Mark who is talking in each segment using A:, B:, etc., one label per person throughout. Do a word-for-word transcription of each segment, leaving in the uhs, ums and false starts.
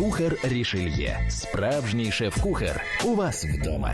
A: Кухар Рішельє. Справжній шеф-кухар. У вас вдома.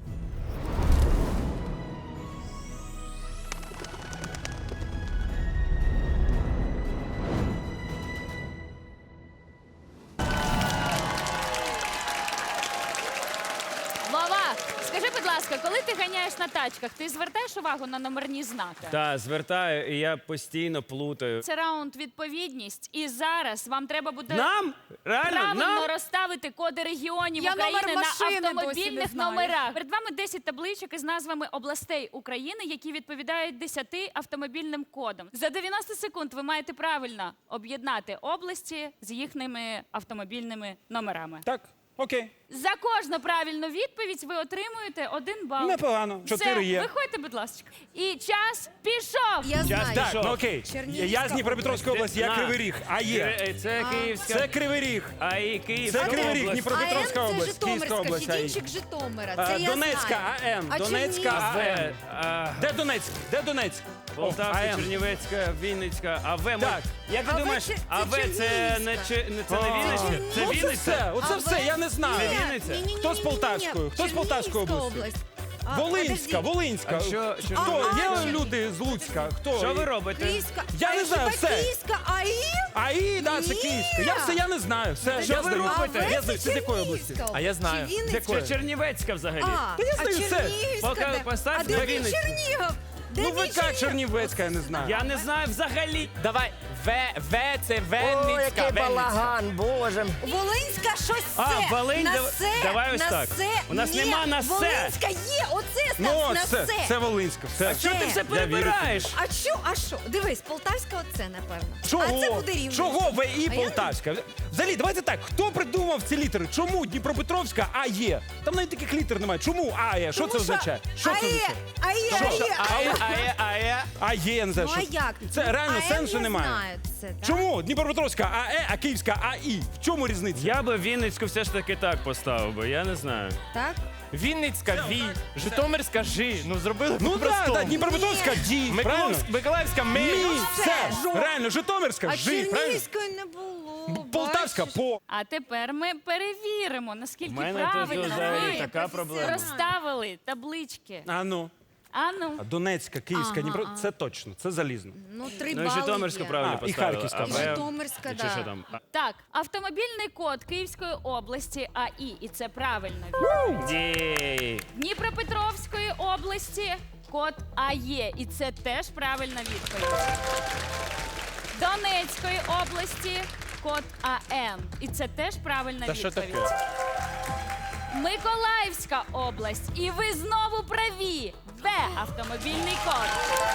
B: Вова, скажи, будь ласка, коли ти ганяєш на тачках, ти звертаєш увагу на номерні знаки?
C: Так, звертаю, і я постійно плутаю.
B: Це раунд відповідність. І зараз вам треба буде
C: Нам? Реально?
B: правильно
C: Нам?
B: розставити коди регіонів
D: Я
B: України
D: номер
B: на
D: машини досі не
B: автомобільних
D: знаю.
B: номерах. Перед вами десять табличок із назвами областей України, які відповідають десяти автомобільним кодам. За дев'яносто секунд ви маєте правильно об'єднати області з їхніми автомобільними номерами.
E: Так, окей.
B: За кожну правильну відповідь ви отримуєте один бал.
E: Непогано. Чотири
B: Все,
E: є.
B: виходьте, будь ласка. І час пішов.
D: Я знаю.
E: Так,
C: Пішов.
E: ну окей.
D: Чернігівська
E: Я з Дніпропетровської області, я
C: На.
E: Кривий Ріг. А є.
C: Е, Це Київська.
E: Це Кривий Ріг.
C: А і Київська
E: Це Кривий Ріг,
C: область.
E: Дніпропетровська
D: АМ це
E: область, Київська
D: Житомирська,
E: область. а є.
D: Федінчик Житомира.
E: А,
D: Це я
E: Донецька
D: знаю.
E: АМ,
D: А
E: Донецька
D: Чернігівська?
E: АМ.
C: А,
E: Де Донецьк? Де Донецьк?
C: Полтавська,
E: АМ.
C: Чернівецька, Вінницька, АВ. ми-
E: Так.
C: Як ти
D: АВ
C: думаєш,
D: це- це
C: АВ це не
D: Чернігівська.
C: чи- не- це не
E: А.
C: Вінниця? Це
E: Ну, це
C: Вінниця?
E: все, оце
D: А
E: все,
D: ви-
E: я не знаю.
D: Ні,
C: Вінниця?
D: ні, ні,
E: Хто з
D: ні, ні, ні.
E: Полтавської? Хто з Полтавської
D: Чернігівська
E: області?
D: А,
E: Волинська,
D: подожди.
E: Волинська.
C: А що- що-
E: Хто?
D: А,
E: Є
D: а,
E: люди з Луцька? Хто?
C: Що ви робите?
D: Київська.
E: Я
D: А
E: не знаю,
D: хіба
E: все.
D: Київська АІ?
E: АІ, да, це
D: Ні.
E: Київська. Я все, я не знаю. Все,
C: Що
E: я
C: ви
E: здаю.
C: робите?
E: Я знаю, це з якої області?
D: А я знаю. Чи Вінницька?
E: Якої?
C: Це Чернівецька взагалі.
D: А,
E: Та я
D: а
E: знаю все.
D: Чернігівська
C: Поки
D: де?
C: постав
D: А де
C: на
D: мій
C: Вінницю.
D: Чернігів? Де
E: Ну,
D: мій
E: ВК
D: Чернігів?
E: Чернівецька, я не знаю.
C: Я не знаю взагалі.
F: Давай, В, В це
G: О,
F: Венницька.
G: який
F: Венницька.
G: балаган, боже.
D: Волинська щось
C: А,
D: це.
C: Волинь,
D: на
C: дав-
D: се,
C: давай ось
D: на
C: так.
D: се.
C: У нас
D: Ні,
C: нема на се.
D: Волинська є, оце
E: Ну,
D: став на
E: це,
D: се.
E: це Волинська. Все.
C: Що ти все перебираєш?
D: А що, а що? Дивись, Полтавська оце, напевно.
E: Чого?
D: А це буде Рівненська.
E: Чого ВІ
D: А я-
E: Полтавська? Взагалі, давайте так, хто придумав ці літери? Чому Дніпропетровська А є? Там навіть таких літер немає. Чому А є? Що
D: Тому
E: це означає? Що це
D: АЕ,
E: означає?
D: АЕ,
E: Що?
D: АЕ.
C: А є, а є, а є.
E: А є, я не знаю.
D: Ну а
E: що.
D: як?
E: Це реально
D: АЕ
E: сенсу
D: я
E: немає.
D: знаю це, так?
E: Чому Дніпропетровська АЕ, а Київська АІ? В чому різниця?
C: Я би Вінницьку все ж таки так поставив би, я не знаю.
D: Так?
F: Вінницька Ві, Житомирська Жи. Ну зробили
E: Ну так,
F: по-простому.
E: да, Дніпропетровська Ді, правильно?
F: Миколаївська, Миколаївська Ми.
E: Мі,
D: все,
E: все,
D: жо.
E: реально, Житомирська
D: А
E: Жи, правильно?
D: Чернігівської не було.
E: Полтавська
D: бачиш?
E: По.
B: А тепер ми перевіримо, наскільки
C: У мене
B: правильно
C: тут
B: ви
C: взагалі така проблема.
B: розставили таблички.
E: А ну.
B: А ну.
E: А Донецька, Київська,
D: Ага,
E: Дніпро,
D: ага.
E: це точно, це залізно.
D: Ну, три
C: Ну і
D: бали
C: Житомирську
D: є.
C: правильно
E: А, і
C: поставили.
E: Харківська.
C: А
D: І
C: ви-
D: Житомирська,
C: Чи що
D: да.
C: там?
B: Так, автомобільний код Київської області АІ, і це правильно.
C: Ді.
B: Дніпропетровської області код АЄ, і це теж правильна відповідь. Донецької області код АМ, і це теж правильна
F: Та що
B: відповідь.
F: таке?
B: Миколаївська область, і ви знову праві. В автомобільний код.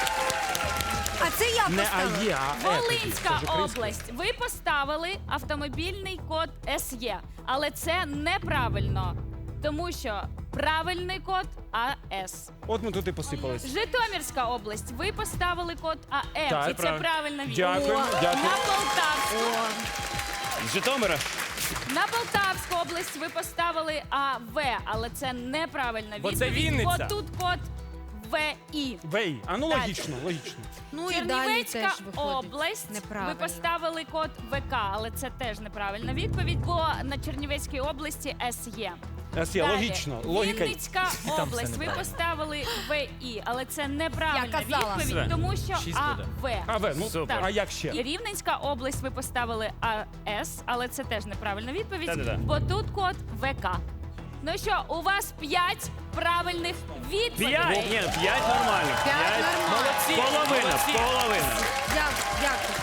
D: А це я
E: Не
D: поставила.
E: АЄ, а Е. тоді.
B: Волинська
E: Це ж українська.
B: область. Ви поставили автомобільний код СЄ, але це неправильно, тому що правильний код АС.
E: От ми тут і посипались.
B: Житомирська область. Ви поставили код АМ,
E: Так,
B: і це
E: правильно.
B: правильна відповідь.
E: Дякую,
B: О,
E: дякую.
B: На Полтавську.
C: З Житомира?
B: На Полтавську область ви поставили АВ, але це неправильна
F: Бо
B: відповідь.
F: це Вінниця.
B: Бо тут код ВІ.
E: Вей. А ну
B: Так.
E: логічно, логічно.
D: Ну і далі
B: Чернівецька
D: теж виходить.
B: область.
D: Неправильно.
B: Ви поставили код ВК, але це теж неправильна відповідь, бо на Чернівецькій області С є.
E: С є,
B: Далі.
E: логічно, логіка.
B: Вінницька область. Ви поставили ВІ, але це неправильна
D: Я казала.
B: відповідь,
C: Все.
B: тому що
F: Шість буде.
B: АВ.
E: А В, ну,
C: Супер.
E: а як ще?
B: І Рівненська область ви поставили АС, але це теж неправильна відповідь,
C: Та-да-да.
B: бо тут код ВК. Ну що, у вас п'ять правильних відповідей.
C: П'ять? Ні, п'ять нормально.
D: П'ять нормально.
F: Молодці,
C: Половина,
F: молодці.
C: половина.
D: Дякую, дякую.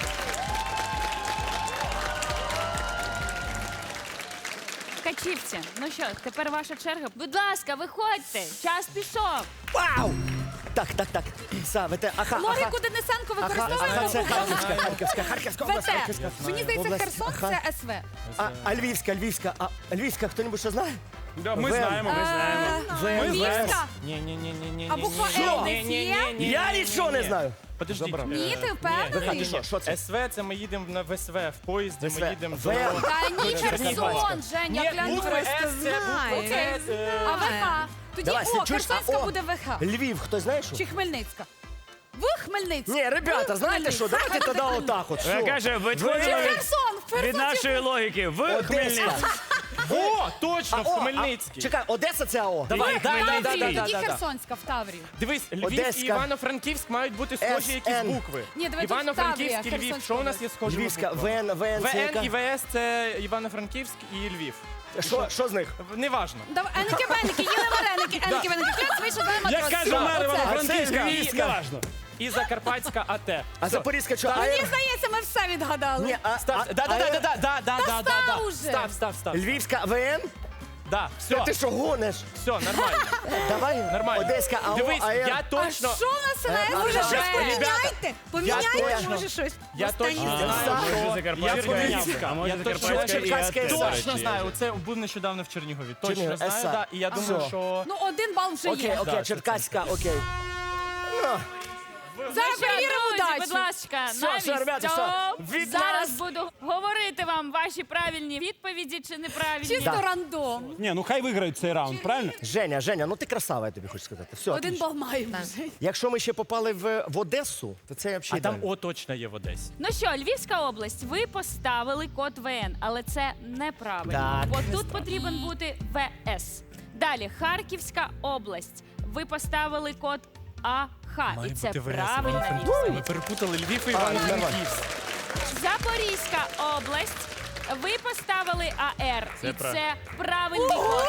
B: Качівці, ну що, тепер ваша черга. Будь ласка, виходьте, час пішов.
G: Вау! Так, так, так. Савите, аха, аха.
D: Логіку Денисенко
G: Аха,
D: використовуємо.
G: аха, це Харківська, Харківська, Харківська область,
D: ВТ.
G: Харківська.
D: Мені здається,
G: Область,
D: Херсон
G: ага.
D: це СВ.
G: А, а Львівська, Львівська, а Львівська, хто-небудь що знає?
E: Да, ми
G: В.
E: знаємо, ми знаємо.
G: В,
D: Львівська?
F: Ні, ні, ні, ні, ні.
D: А буква
F: ні,
D: Л
F: ні,
D: десь
F: ні,
D: є?
F: ні, ні,
G: Я
F: ні,
G: нічого
F: ні,
G: не
F: ні.
G: знаю.
F: Подождіть.
G: Забрав.
D: Ні, ти
F: Е,
D: впевнений?
G: Ні, що, що це?
F: СВ це ми їдемо на ВСВ в поїзді,
G: ВСВ.
F: ми їдемо
G: В.
F: до...
D: Та ні, Херсон, Женя,
F: Ні,
D: глянь,
F: буква
D: просто
F: С це
D: знає.
F: буква С. е,
D: А ВХ? Тоді
G: Давай,
D: О,
G: чуєш, а
D: Херсонська
G: О?
D: буде ВХ.
G: Львів, хто знає що?
D: Чи Хмельницька? В Хмельницька.
G: Ні, ребята, знаєте що, давайте тоді отак от.
C: Я
G: що?
C: кажу, ви
D: Чи
C: твої...
D: Херсон? В
C: Від нашої логіки в
G: Одеська.
C: Хмельницький.
F: О, точно, в
G: О, а,
F: Хмельницький.
G: Чекай, Одеса це АО.
F: Давай, да, да, да, да,
D: Таврію,
F: да,
D: тоді
F: да, да.
D: Херсонська в Таврію.
F: Дивись, Львів
G: Одеська.
F: і Івано-Франківськ мають бути схожі
G: ес
F: якісь
G: ен.
F: букви.
D: Ні, давай тут
F: Івано-Франківськ і
D: Таврія,
F: Львів.
D: Херсонська
F: Що у нас є схожі
G: Львівська,
F: букви?
G: ВН, ВН, це
F: ВН і
G: яка?
F: ВС це Івано-Франківськ і Львів.
G: Що, що з них?
F: Неважно.
D: Давай, еники веники, їли вареники, еники веники. Клянь, вийшов, дай матрос.
E: Як каже
D: Все,
E: мер
D: оце.
E: Івано-Франківська,
G: А це Львівська.
E: неважно.
F: І Закарпатська АТ.
G: А
F: Все.
G: Запорізька що?
D: Мені
G: АЕР?
D: здається, ми все відгадали.
G: Ні, а,
F: Став,
G: а-
F: да, да,
G: АЕР?
F: да, да, да, да, да, да,
D: став
F: да.
D: уже.
F: Став, став, став.
G: Львівська ВН?
F: Да, все,
G: Ти що гониш?
F: все, нормально.
G: Давай,
F: Нормально.
G: Одеська АО,
F: Дивись,
G: АЕР.
F: я
D: А
F: точно,
D: що у нас
G: Е,
D: НС? Може,
G: а,
D: щось
F: ребята,
D: поміняйте? Поміняйте,
G: точно-
D: може, щось.
F: я
D: Останній
F: точно
D: раз.
F: знаю,
C: Може
F: що...
C: Закарпатська,
F: Я поміняв.
C: а може
F: Я точно-
C: Закарпатська і
G: Черкаська
C: АТ,
G: СА.
C: до
F: Точно
C: речі.
F: знаю, це був нещодавно в Чернігові. Точно
G: Чернігів,
F: знаю,
G: ес а.
F: да. І я думаю,
G: Все.
F: що...
D: Ну, один бал вже
G: Окей,
D: є.
G: окей,
F: Да,
G: Черкаська, окей.
D: Зараз
B: Що,
D: перевіримо
B: друзі,
D: удачу.
B: будь ласка,
G: Все,
B: навіть
G: все, ребята, все.
B: цього
G: Від
B: зараз
G: нас.
B: буду говорити вам ваші правильні відповіді чи неправильні.
D: Чисто
G: Да.
D: рандом.
E: Ні, ну хай виграють цей раунд, правильно?
G: Женя, Женя, ну ти красава, я тобі хочу сказати. Все,
D: Один
G: отлично.
D: бал маємо вже.
G: Якщо ми ще попали в, в Одесу, то це
F: А
G: взагалі
F: там
G: ідеально.
F: О точно є в Одесі.
B: Ну що, Львівська область, ви поставили код ВН, але це неправильно.
G: Так.
B: Бо тут потрібен бути ВС. Далі, Харківська область. Ви поставили код АХ. І це правильна відповідь.
F: Ми перепутали Львів і
G: А,
F: Івано-Франківськ.
B: Запорізька область. Ви поставили АР.
C: Це
B: і
C: прав-
B: це правильний код.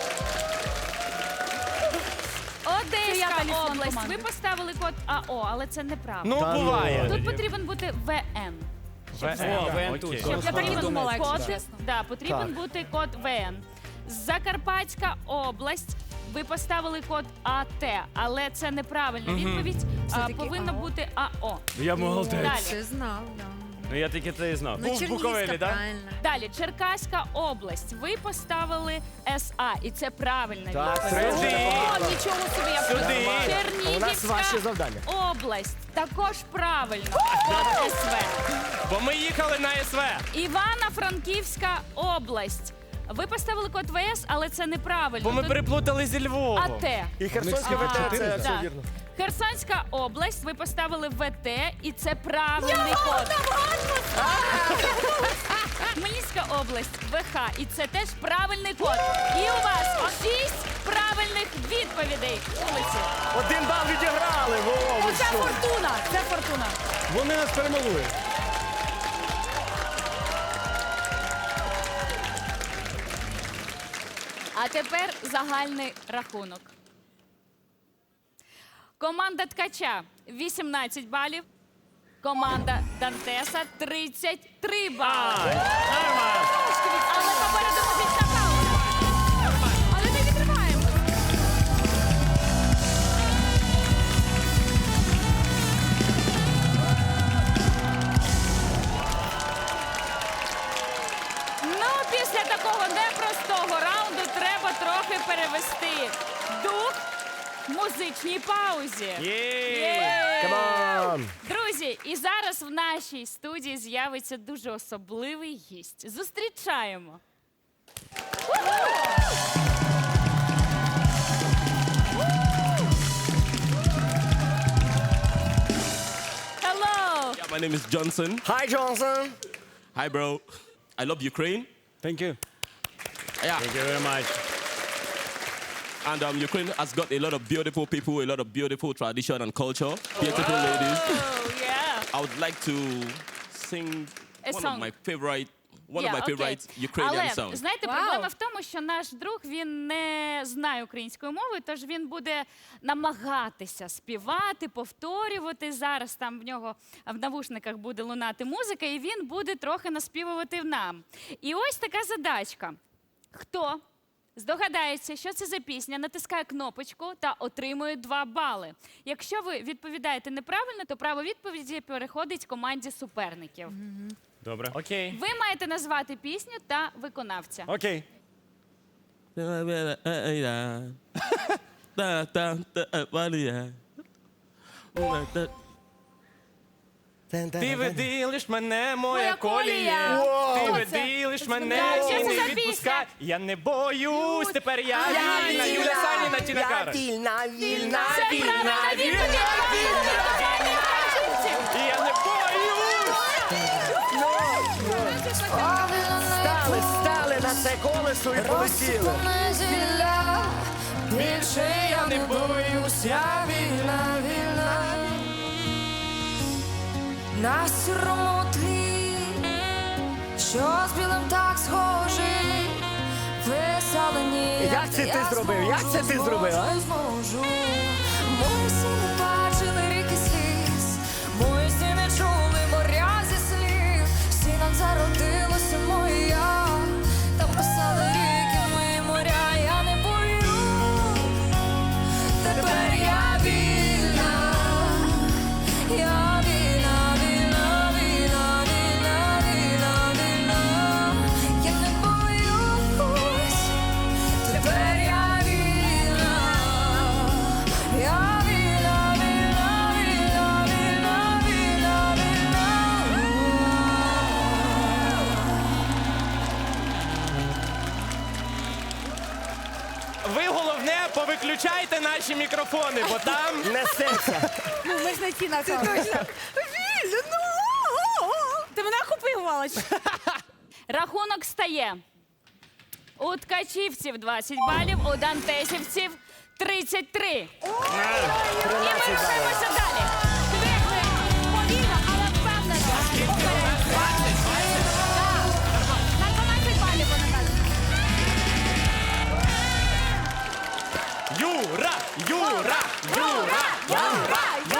D: я
B: Одеська
D: талісман
B: область.
D: команди.
B: Ви поставили код АО, але це неправильно.
F: Ну,
G: Та ну.
F: буває.
B: Тут потрібен бути ВН.
F: ВН,
C: тут.
F: окей.
B: Щоб
D: Я так і
B: потрібен
D: думала, якщо
B: код,
D: чесно.
B: да, потрібен
G: Так.
B: бути код ВН. Закарпатська область. Ви поставили код АТ, але це неправильна відповідь. А,
D: Все-таки
B: повинно
D: АО.
B: бути АО.
C: Я молодець.
B: Далі.
D: Ти знав, да.
C: Ну я тільки це і знав.
D: Ну,
C: Був в
D: Чернігівська,
C: Буковелі, так?
D: правильно.
B: Далі, Черкаська область. Ви поставили СА, і це правильна
G: Так,
B: відповідь.
G: це
D: О, нічого собі, я
F: Сюди.
D: подумала.
G: У нас ваші
B: Чернігівська
G: завдання.
B: область. Також правильно. Код СВ.
F: Бо ми їхали на СВ.
B: Івано-Франківська область. Ви поставили код ВС, але це неправильно.
F: Бо ми
B: Тут
F: переплутали зі Львовом.
B: АТ.
G: І Херсонське
B: А,
G: ВТ, це все
B: так.
G: вірно.
B: Херсонська область, ви поставили ВТ, і це правильний код. Хмельницька область, ВХ, і це теж правильний код. І у вас шість правильних відповідей. Вулиці.
G: Один бал відіграли, во, ви
D: Оце
G: що?
D: фортуна, це фортуна.
E: Вони нас перемалують.
B: А тепер загальний рахунок. Команда Ткача вісімнадцять балів. Команда Дантеса тридцять три бали. Але попереду музична пауза.
D: Але ми відриваємо.
B: Ну, після такого непростого раунду треба трохи перевести дух в музичній паузі. Є!
G: Камон!
B: Друзі, і зараз в нашій студії з'явиться дуже особливий гість. Зустрічаємо. Hello!
H: My name is Johnson.
G: Hi, Johnson.
H: Hi, bro. I love Ukraine.
E: Thank you.
H: Yeah.
C: Thank you very much.
H: And um, Ukraine has got a lot of beautiful people, a lot of beautiful tradition and culture. Beautiful ladies.
B: Oh, yeah.
H: I would like to sing
B: A
H: one
B: song.
H: of my favorite, one
B: Yeah,
H: of my
B: okay.
H: favorite Ukrainian
B: Але,
H: songs.
B: знаєте,
D: Вау.
B: проблема в тому, що наш друг, він не знає української мови, тож він буде намагатися співати, повторювати. Зараз там в нього в навушниках буде лунати музика, і він буде трохи наспівувати нам. І ось така задачка. Хто здогадається, що це за пісня, натискає кнопочку та отримує два бали. Якщо ви відповідаєте неправильно, то право відповіді переходить команді суперників.
C: Добре.
F: Окей.
B: Ви маєте назвати пісню та виконавця.
E: Окей.
F: Ти веди лиш мене, моя
D: Моя колія.
F: колія. Ти
D: Хто
F: веди
D: це?
F: лиш мене
B: Так, що
F: і
B: це
F: не
B: за пісня?
F: відпускай. Я не боюсь, тепер я вільна. Юля Саніна, Тіна
G: Я
F: Кароль.
G: вільна, вільна,
B: Це
G: вільна,
B: правильна
G: вільна,
B: відповідь.
G: вільна.
F: І я не боюсь.
G: це колесо і полетіли.
I: Зілля, більше я не боюсь, я вільна, вільна. На сірому тлі, що з білим так схожий, веселені.
G: Як це ти зробив? Як це ти зробив, а?
I: Зможу. Мої всі не бачили ріки сліз, мої всі не чули моря зі слів. Всі нам зародилося моя, там писали ріки, мої моря, я не боюсь. Тепер я вільна, я вільна, вільна, вільна, вільна, вільна, вільна. Я не боюсь. Тепер я вільна, я вільна, вільна, вільна, вільна, вільна, вільна.
F: Ви головне повиключайте наші мікрофони, бо там
G: Несеться.
D: Ну, ми ж не ті на це. Точно. Вільно, ну. Ти мене окупувала.
B: Рахунок стає. У ткачівців двадцять балів, у дантесівців тридцять три. І ми рухаємося далі.
D: Звикли повільно, але впевнено. Уперед. Так. На дванадцять балів вона каже.
F: Юра, Юра, Юра, Юра,